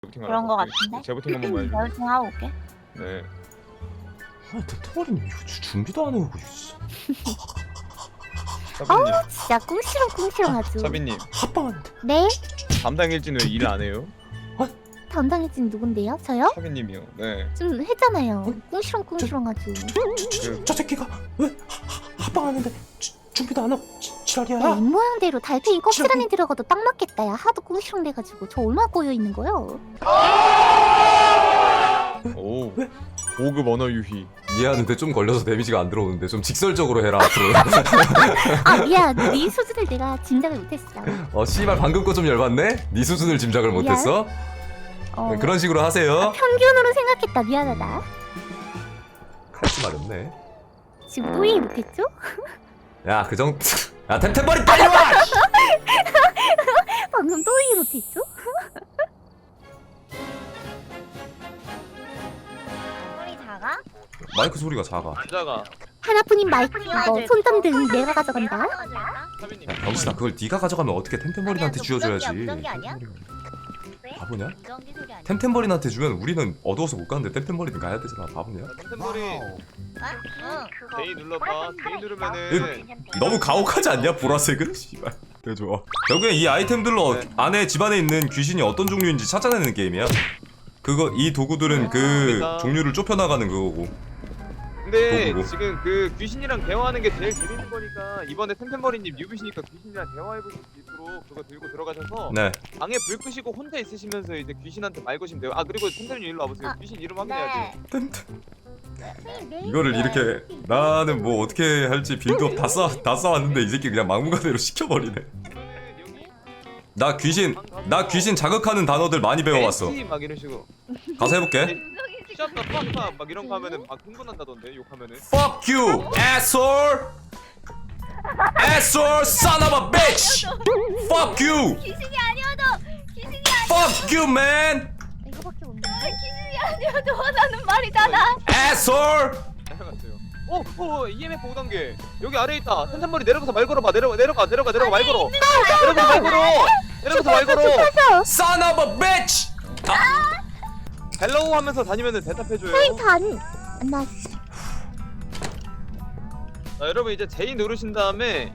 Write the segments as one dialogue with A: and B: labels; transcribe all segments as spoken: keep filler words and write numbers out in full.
A: 그런 거 같은데?
B: 재부팅 한 번만 해줘.
A: 재부팅 하고 올게.
B: 네.
C: 아니 대통령님 이거 준비도 안 해오고
B: 사비님,
D: 어우 진짜 꿍시렁꿍시렁 아주.
B: 사비님
C: 합방하는데.
D: 네?
B: 담당 일진 왜 일 안 해요?
D: 담당일진 누군데요? 저요?
B: 사비님이요. 네.
D: 좀 했잖아요. 꿍시렁꿍시렁 아주.
B: 그
C: 저 새끼가 왜 하- 합방하는데 주, 준비도 안 하고 지, 지랄이야.
D: 야 입모양대로 달팽이 껍질 안에 들어가도 딱 맞겠다. 야 하도 꿍시렁 돼가지고 저 얼마나 꼬여있는 거요?
B: 오.
C: 왜?
B: 고급 언어 유희.
C: 이해하는데 좀 걸려서 데미지가 안 들어오는데 좀 직설적으로 해라 앞으로.
D: 아 미안. 네 수준을 내가 짐작을 못했어.
C: 어 씨발 방금 거 좀 열받네? 네 수준을 짐작을
D: 미안.
C: 못했어?
D: 어,
C: 네, 그런 식으로 하세요.
D: 평균으로 생각했다. 미안하다.
C: 칼지 말했네.
D: 지금 또 얘기 못했죠?
C: 야 그 정도. 야 템템버리 빨리 와!
D: 방금 또 얘기 못했죠?
A: 소리 작아?
C: 마이크 소리가 작아.
B: 남자가
D: 하나뿐인 마이크 이거 손전등 내가 가져간다.
B: 사비님.
C: 야 병신아 그걸 네가 가져가면 어떻게 템템버린한테
A: 아니야,
C: 쥐어줘야지.
A: 무전기야, 무전기 아니야?
C: 바보냐?
A: 무전기 소리 아니야?
C: 템템버린한테 주면 우리는 어두워서 못 가는데 템템버린은 가야 되잖아. 바보냐?
B: 템템버리
A: 응.
B: 제이 눌러봐. 제이 누르면은
C: 너무 가혹하지 않냐 보라색은? 씨발. 되게 좋아. 결국엔 이 아이템들로
B: 네.
C: 안에 집안에 있는 귀신이 어떤 종류인지 찾아내는 게임이야. 그거 이 도구들은 그
B: 맞습니다.
C: 종류를 좁혀나가는 그거고.
B: 근데
C: 도구고.
B: 지금 그 귀신이랑 대화하는 게 제일 재밌는 거니까 이번에 템템버리님 뉴비시니까 귀신이랑 대화해볼 수 있도록 그거 들고 들어가셔서
C: 네.
B: 방에 불 끄시고 혼자 있으시면서 이제 귀신한테 말 거시면 돼요. 아 그리고 템템님 일로 와보세요.
A: 아,
B: 귀신 이름 확인해야지.
A: 네.
C: 이거를 이렇게 나는 뭐 어떻게 할지 빌드업 다 쌓, 다 쌓았는데 이 새끼 그냥 막무가내로 시켜버리네.
B: 여기
C: 나 귀신 나 귀신 자극하는 단어들 많이 배워왔어.
B: 벤치 막 이런 식으로.
C: 가서 해볼게.
B: 샵다 팍팍 막 이런 거 하면은 막 흥분한다던데 욕하면은.
C: Fuck you, asshole! Asshole, son of a bitch! Fuck you!
A: 귀신이 아니어도 귀신이 아니
C: Fuck you, man!
D: 이거밖에 없네.
A: 귀신이 아니어도 원하는 말이잖아.
C: Asshole!
B: 생각났어요. 오, 오, 이엠에프 오 단계. 여기 아래 있다. 텐텐머리 내려가서 말 걸어봐. 내려가, 내려가, 내려가, 내려가 말 걸어. 내려가서 말 걸어. 내려가서 말 걸어.
C: Son of a bitch! 아,
B: 헬로우 하면서 다니면은 대답해줘요.
D: 단. 나
B: 자, 여러분 이제 제이 누르신 다음에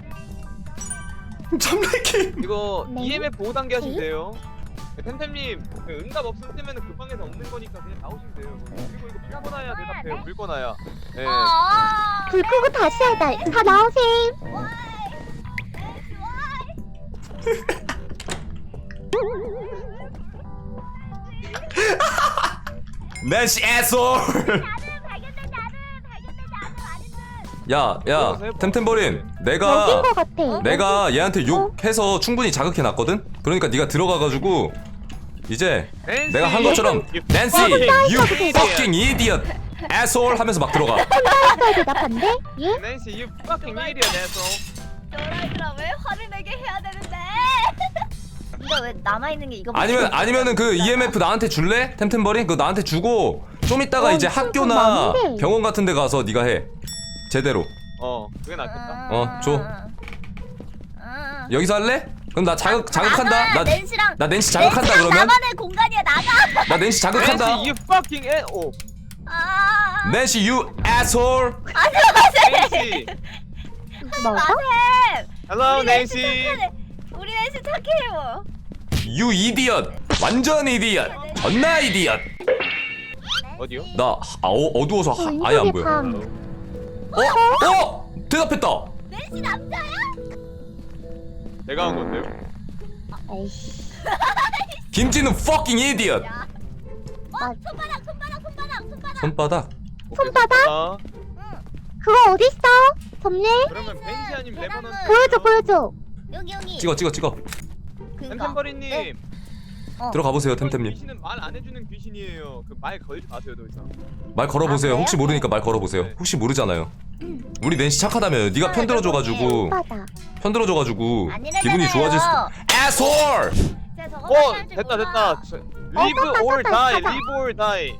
C: 잠래키!
B: 이거
D: 네.
B: 이엠에프 오 단계 하시면
D: 네.
B: 돼요. 텐템님 그 응답 없음 뜨면은 그 방에서 없는 거니까 그냥 나오시면 돼요. 그리고 이거 불 꺼놔야 대답해요. 불 꺼놔야. 네.
A: 아.
D: 불 끄고 다시 하다. 다 나오세요.
C: 낸시 asshole! 야, 야, 템템버린, 내가
D: 여긴 거 같아.
C: 내가 얘한테 욕해서 충분히 자극해놨거든? 그러니까 네가 들어가가지고 이제
B: 낸시,
C: 내가 한 것처럼
B: you
C: Nancy,
B: fucking
C: you
B: idiot.
C: fucking idiot, asshole 하면서 막 들어가.
D: 잘 대답한데? 예?
B: 낸시, you fucking idiot, asshole.
A: 너희들아 왜 화를 내게 해야 되는데? 이거 왜 남아 있는 게 이거?
C: 아니면 아니면은 그 이엠에프 나한테 줄래? 템템버린 그거 나한테 주고 좀 이따가
D: 어,
C: 이제
D: 진짜
C: 학교나
D: 많은데.
C: 병원 같은 데 가서 네가 해. 제대로.
B: 어, 그게 낫겠다.
C: 어, 줘. 여기서 할래? 그럼 나 자극 자극한다. 나
A: 낸시랑
C: 나 낸시 자극한다
A: 낸시랑
C: 그러면?
A: 나만의 공간이야 나가.
C: 나 낸시 자극한다.
B: 낸시, you fucking a 오.
A: 아.
C: 낸시 you asshole.
B: 낸시.
D: 뭐가?
A: 쌤.
B: Hello,
A: 우리 낸시
B: 낸시.
A: 착해. 우리 낸시 착해요.
C: You idiot. 완전 idiot. 존나 idiot.
B: 어디요?
C: 나 아, 어, 어두워서 하, 아예 안 보여.
D: 방.
C: 어? 어? 대답했다.
A: 낸시 남자야?
B: 내가 한 건데요.
D: 에이씨.
C: 김진우 fucking idiot.
A: 야. 어?
D: 아.
A: 손바닥 손바닥 손바닥 손바닥.
C: 손바닥.
B: 오케이,
D: 손바닥?
B: 손바닥.
D: 그거 어딨어? 점례?
B: 그러면 벤시 아니면 레버넌트.
D: 보여줘 보여줘.
A: 여기 여기.
C: 찍어 찍어 찍어.
A: 그거.
B: 템템버리님.
A: 네. 어.
C: 들어가 보세요 템템님.
B: 귀신은 말 안 해주는 귀신이에요. 그 말 걸지 마세요, 더 이상.
C: 말 걸어보세요.
A: 아,
C: 혹시
A: 그래요?
C: 모르니까 말 걸어보세요.
B: 네.
C: 혹시 모르잖아요. 우리 낸시 착하다며. 네가 편 들어줘가지고
D: 손바닥.
C: 편 들어줘가지고
A: 아니래잖아요.
C: 기분이 좋아질 수. asshole.
A: 제가 저거
B: 어,
A: 할줄
B: 됐다,
A: 몰라.
B: 됐다. 저- Live
D: 떴다,
B: or
D: 떴다,
B: die,
D: 떴다.
B: live or die.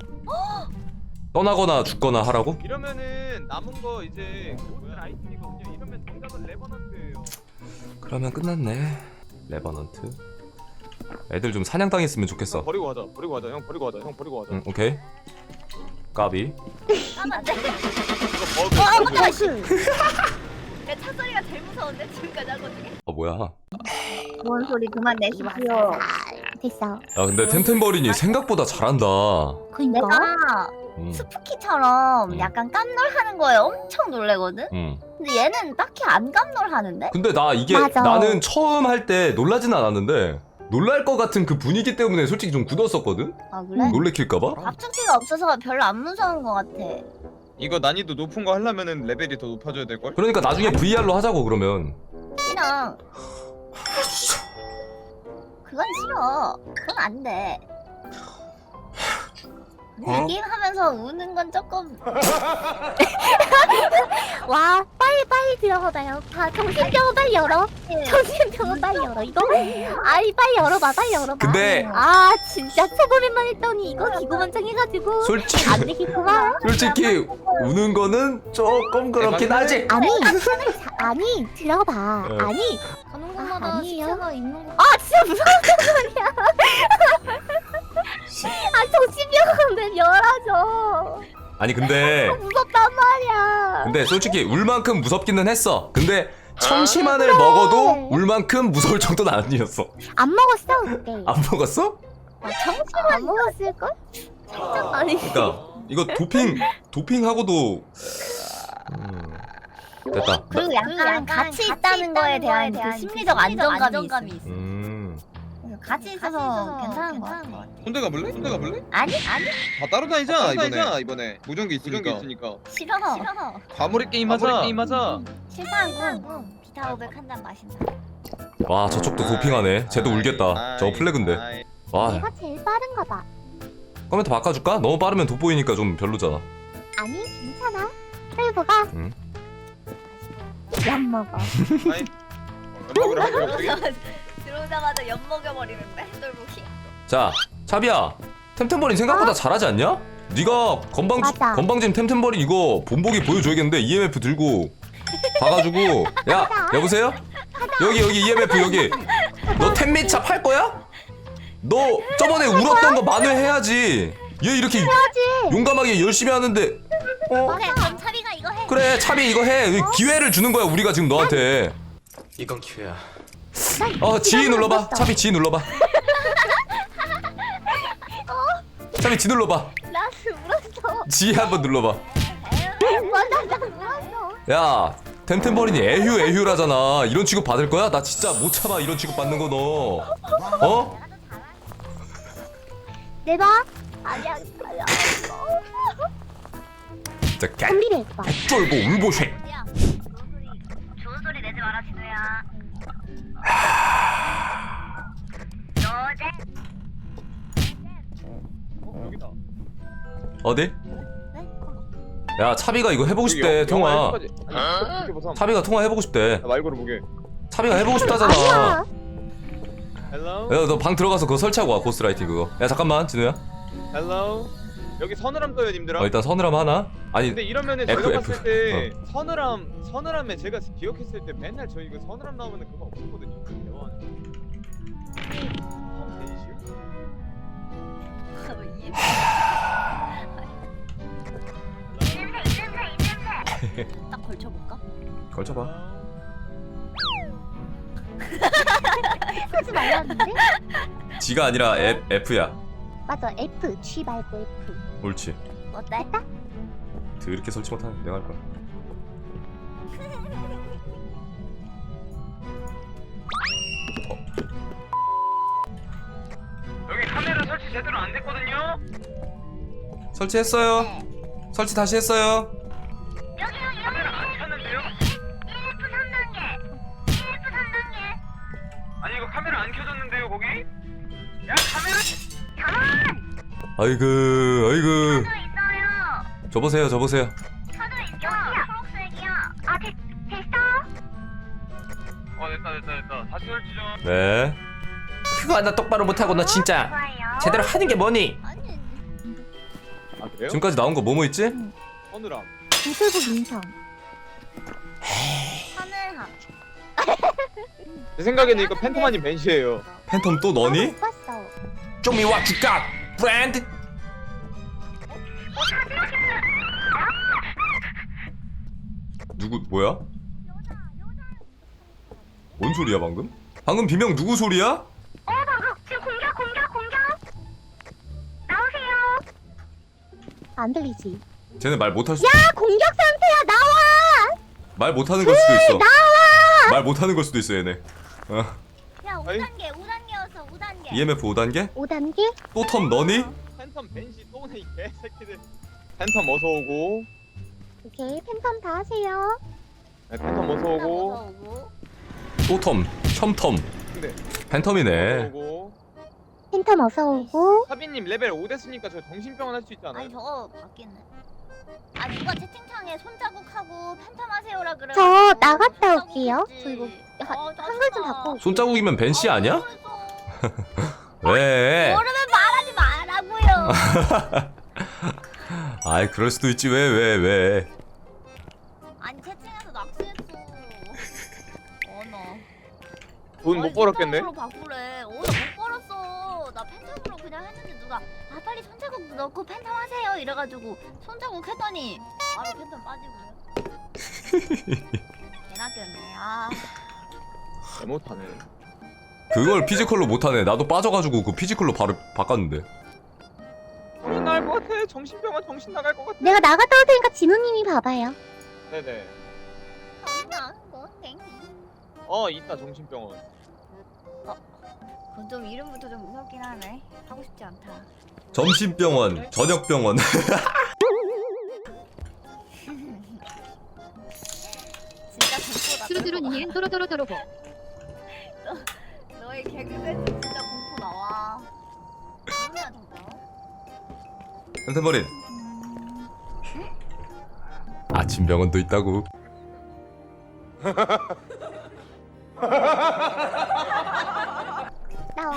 C: 떠나거나 죽거나 하라고?
B: 이러면은 남은 거 이제 모든 아이템이거든요. 이러면 정답은 레버넌트예요.
C: 그러면 끝났네. 레버넌트. 애들 좀 사냥당했으면 좋겠어.
B: 형 버리고 가자. 버리고 가자. 형 버리고 가자. 형 버리고 가자.
C: 응, 오케이. 까비.
A: 까면 안 돼.
B: 이거 버그.
A: 아,
B: 버그.
A: 깜짝이야. 야, 차 소리가 제일 무서운데 지금까지 한 것 중에.
C: 아 뭐야?
A: 뭔 소리 그만 내십시오.
D: 됐어.
C: 야 근데 템템버린이 생각보다 잘한다.
D: 그니까.
A: 내가
C: 음,
A: 스푸키처럼
C: 음.
A: 약간 깜놀하는 거에 엄청 놀래거든.
C: 음.
A: 근데 얘는 딱히 안 깜놀하는데?
C: 근데 나 이게
D: 맞아.
C: 나는 처음 할 때 놀라진 않았는데 놀랄 것 같은 그 분위기 때문에 솔직히 좀 굳었었거든.
A: 아 그래?
C: 놀래킬까봐.
A: 밥충기가 없어서 별로 안 무서운 것 같아.
B: 이거 난이도 높은 거 하려면은 레벨이 더 높아져야 될 걸?
C: 그러니까 나중에 브이알로 하자고 그러면.
A: 싫어. 그건 싫어. 그건 안 돼. 근데 이 게임 하면서 우는 건 조금
D: 와 빨리 빨리 들어가봐요. 다 정신병원 빨리 열어. 정신병원 빨리 열어. 이거 아니 빨리 열어봐 빨리 열어봐.
C: 근데-
D: 아 진짜 초보랜만 했더니 이거 기고만장해가지고
C: 솔직히
D: 안 되겠구만.
C: 솔직히 우는 거는 조금 그렇긴 하지.
D: 아니 자, 아니 들어봐.
C: 어.
D: 아니
A: 가는
D: 아,
A: 곳마다
D: 아니에요.
A: 시체가 있는 거.
D: 아 진짜 무서운 소리야. 아 정신병원을 열어줘.
C: 아니 근데
D: 무섭단 말이야.
C: 근데 솔직히 울 만큼 무섭기는 했어. 근데 청심환을
D: 그래.
C: 먹어도 울 만큼 무서울 정도는 아니었어.
D: 안 먹었어 그때.
C: 안 먹었어?
D: 정신만 안 먹었을 걸? 살짝 아니.
C: 그러니까 이거 도핑 도핑하고도 음, 됐다.
A: 그리고 약간 같이 있다는 거에 대한 그 심리적 안정감이 있어.
C: 음.
A: 같이 있어서 괜찮은 거 같아.
B: 혼자 가볼래? 혼자 가볼래?
A: 아니 아니
B: 다 따로 다니자 이번에. 이번에. 무전기 있으니까. 있으니까.
A: 싫어. 싫어.
B: 과몰입 게임 하자. 게임 하자.
A: 싫다고. 비타 오백 한 잔 마신다.
C: 와 저쪽도 도핑하네. 쟤도 울겠다. 저거 플래그인데.
B: 아이.
C: 와
D: 내가 제일 빠른가 봐.
C: 컴퓨터 바꿔줄까? 너무 빠르면 돋보이니까 좀 별로잖아.
D: 아니 괜찮아. 셀브가
C: 응.
D: 약 먹어.
B: 아이. 연락을 하고 갑자기.
A: 들어오자마자 엿 먹여버리는데 똘보기.
C: 자 차비야. 템템버린 생각보다 잘하지 않냐? 네가 건방
D: 맞아.
C: 건방진 템템버린 이거 본보기 보여줘야겠는데 이엠에프 들고 가가지고 야 여보세요? 여기 여기 이엠에프 여기 너 템미차 팔 거야? 너 저번에 울었던 거 만회해야지. 얘 이렇게 용감하게 열심히 하는데 어?
A: 그래 그럼 차비가 이거 해.
C: 그래 차비 이거 해. 기회를 주는 거야 우리가 지금 너한테.
E: 이건 기회야.
C: 어 G 눌러봐. 차비 G 눌러봐. 차비 G 눌러봐.
D: 나 울었어.
C: G 한번 눌러봐.
D: 맞아 나 울었어.
C: 야 템템버린이 애휴 애휴라잖아. 이런 취급 받을 거야? 나 진짜 못 참아 이런 취급 받는 거 너. 어?
D: 내봐. 아니야 아니야.
C: 진짜 개
D: 준비돼 봐.
C: 쫄보 울보쉐.
A: 야 좋은 소리 좋은 소리 내지 마라 진우야. 너제
B: 어, 여기다.
C: 어디?
A: 네?
C: 야 차비가 이거 해보고 싶대
B: 여기
C: 통화.
B: 영화 여기까지. 아니, 이렇게 보삼.
C: 차비가 통화 해보고 싶대.
B: 야, 말 걸어보게.
C: 차비가 해보고 싶다잖아.
D: 아니야.
B: 헬로.
C: 야 너 방 들어가서 그거 설치하고 와 고스라이팅 그거. 야 잠깐만 진우야.
B: 헬로. 여기 서늘함 떠요 님들아.
C: 어 일단 서늘함 하나. 아니
B: 근데 이러면은
C: F,
B: 제가
C: F.
B: 봤을 때 서늘함 서늘함에 제가 기억했을 때 맨날 저 이거 서늘함 나오면은 그거 없었거든요. 대화는. 펌 데이슈?
A: 딱 걸쳐볼까?
C: 걸쳐봐.
D: 하지 말랐는데?
C: G가 아니라 F, F야.
D: 맞아 F G 말고 F.
C: 옳지.
A: 어때?
C: 이렇게 설치 못하는 내가 할 거야.
B: 여기 카메라 설치 제대로 안 됐거든요.
C: 설치했어요. 설치 다시 했어요.
A: 여기 여기
B: 카메라 안 켰는데요?
A: 이에프 삼 단계 이에프 삼 단계.
B: 아니 이거 카메라 안 켜졌는데요 거기? 야 카메라.
C: 아이고 아이고.
A: 저 있어요.
C: 줘보세요 줘보세요.
A: 저도 있어. 초록색이야. 아 됐, 됐어?
B: 어 됐다 됐다 됐다. 다시 설치 좀.
C: 네.
E: 그거 하나 똑바로 못하고 너 진짜
A: 좋아요.
E: 제대로 하는 게 뭐니?
A: 아니
B: 아 그래요?
C: 지금까지 나온 거 뭐뭐 있지?
B: 서늘함.
D: 구슬복 인성.
A: 하늘함.
B: 제 생각에는 이거 팬토마님 벤시예요.
C: 팬텀 또 너니?
D: 못 봤어.
E: 좀이 와 주가 브랜드.
C: 누구 뭐야? 뭔 소리야 방금? 방금 비명 누구 소리야?
D: 어 방금 지금 공격 공격 공격. 나오세요. 안 들리지?
C: 쟤네 말 못할 수.
D: 야 공격 상태야 나와.
C: 말 못하는 걸 수도 있어.
D: 나와.
C: 말 못하는 걸 수도 있어 얘네. 어.
A: 야 오 단계 오 단계였어 오 단계.
C: 이엠에프 오 단계?
D: 오 단계?
C: 또 텀 너니?
B: 팬텀 벤시 또 오네 이 개새끼들. 팬텀 어서 오고.
D: 오케이 팬텀 다 하세요.
B: 네, 팬텀 어서 오고.
A: 오고.
C: 또 텀, 첨텀.
B: 근데
C: 팬텀이네.
B: 어서 오고.
D: 팬텀 어서 오고.
B: 사비님 레벨 오 됐으니까 저 정신병원 할 수 있지 않아요?
A: 아니 저거 바뀌네. 아 누가 채팅창에 손자국하고 팬텀 하세요라 그래.
D: 저 나갔다 올게요. 저 이거 하-
A: 어,
D: 한글 좀 바꿔.
C: 손자국이면 벤씨 아니야?
A: 어,
C: 왜?
A: 모르면 말하지 말라고요.
C: 아이 그럴 수도 있지 왜 왜 왜?
A: 아니 채팅에서 낚시했어. 어너.
B: 돈 못 벌었겠네.
A: 로 바꾸래. 어나 못 벌었어. 나 팬텀으로 그냥 했는데 누가 아 빨리 손자국 넣고 팬텀 하세요 이래가지고 손자국 했더니 바로 팬텀 빠지고요. 개나 꼈네. 아.
B: 개 못하네.
C: 그걸 피지컬로 못하네. 나도 빠져가지고 그 피지컬로 바로 바꿨는데.
B: 정신 나갈 것 같아. 정신병원 정신 나갈 것 같아.
D: 내가 나갔다 올 테니까 진우님이 봐봐요.
B: 네네.
A: 정말 뭐 땡.
B: 어 있다 정신병원.
A: 그건 좀 이름부터 좀 무섭긴 하네. 하고 싶지 않다.
C: 점심병원, 저녁병원.
A: 진짜 공포다.
F: 뚜루뚜루 니엔 또로또로또로보.
A: 너의 개그맨 진짜 공포 나와. 누구야 저거?
C: 펜트버린. 아침병원도 있다고.
D: 나와.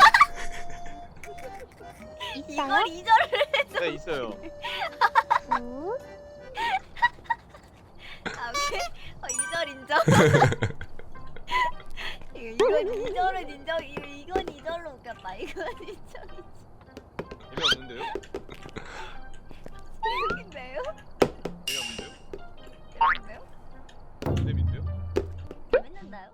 D: 있어요?
A: 이걸 이절을
B: 네 있어요.
D: 굿.
A: 아 오케이. 어, 이절 인정. 이거 이건 이절은 인정. 이거 이건 이절로 웃겼다. 이건 인정.
B: 재미없는데요?
A: 웃긴데요?
B: 재미없는데요?
A: 재밌는데요?
B: 재밌는데요?
A: 재밌는데요?